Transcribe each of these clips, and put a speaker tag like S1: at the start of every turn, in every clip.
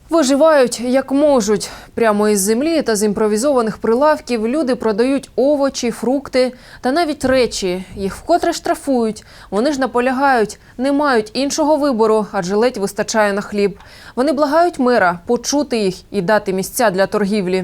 S1: Виживають як можуть. Прямо із землі та з імпровізованих прилавків люди продають овочі, фрукти та навіть речі. Їх вкотре штрафують. Вони ж наполягають, не мають іншого вибору, адже ледь вистачає на хліб. Вони благають мера почути їх і дати місця для торгівлі.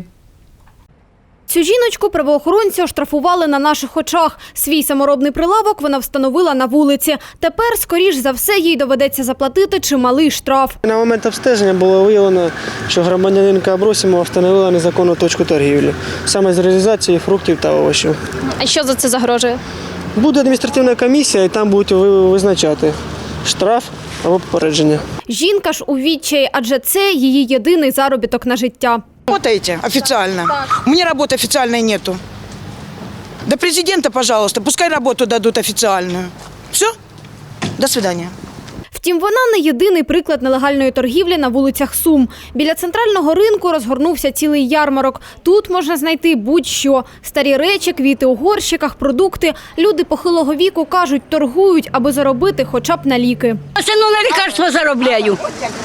S2: Цю жіночку правоохоронці оштрафували на наших очах. Свій саморобний прилавок вона встановила на вулиці. Тепер, скоріш за все, їй доведеться заплатити чималий штраф.
S3: На момент обстеження було виявлено, що громадянинка Абросімова встановила незаконну точку торгівлі, саме з реалізації фруктів та овочів.
S2: А що за це загрожує?
S3: Буде адміністративна комісія, і там будуть визначати штраф або попередження.
S2: Жінка ж у відчаї, адже це її єдиний заробіток на життя.
S4: Работаете официально? У меня работы официальной нету. До президента, пожалуйста, пускай работу дадут официальную. Все? До свидания.
S2: Втім, вона не єдиний приклад нелегальної торгівлі на вулицях Сум. Біля центрального ринку розгорнувся цілий ярмарок. Тут можна знайти будь-що. Старі речі, квіти у горщиках, продукти. Люди похилого віку кажуть, торгують, аби заробити хоча б на ліки.
S5: Сину на лікарство заробляю.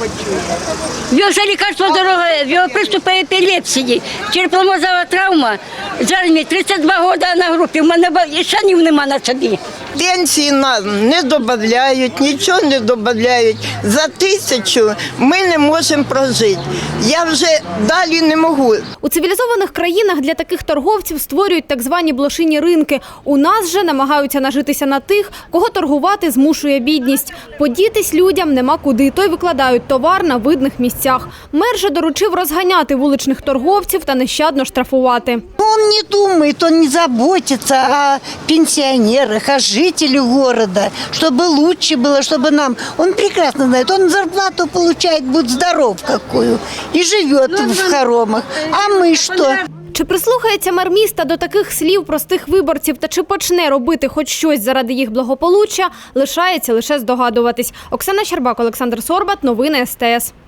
S5: В його вже лікарство дороге, в його приступи епілепсії, черепно-мозгова травма. З армії 32 роки на групі, в мене і шанів нема на собі.
S6: Пенсії нам не додають, нічого не додають. За 1000 ми не можемо прожити. Я вже далі не можу.
S2: У цивілізованих країнах для таких торговців створюють так звані блошині ринки. У нас же намагаються нажитися на тих, кого торгувати змушує бідність. Подітись людям нема куди, то й викладають товар на видних місцях. Мер же доручив розганяти вуличних торговців та нещадно штрафувати.
S7: Он не думает, он не заботится о пенсионерах, о жителях города, чтобы лучше было, чтобы нам... Он прекрасно знает, он зарплату получает, будь здоров какую, и живет в хоромах. А мы что?
S2: Чи прислухається мер міста до таких слів простих виборців та чи почне робити хоч щось заради їх благополуччя, лишається лише здогадуватись. Оксана Щербак, Олександр Сорбат, новини СТС.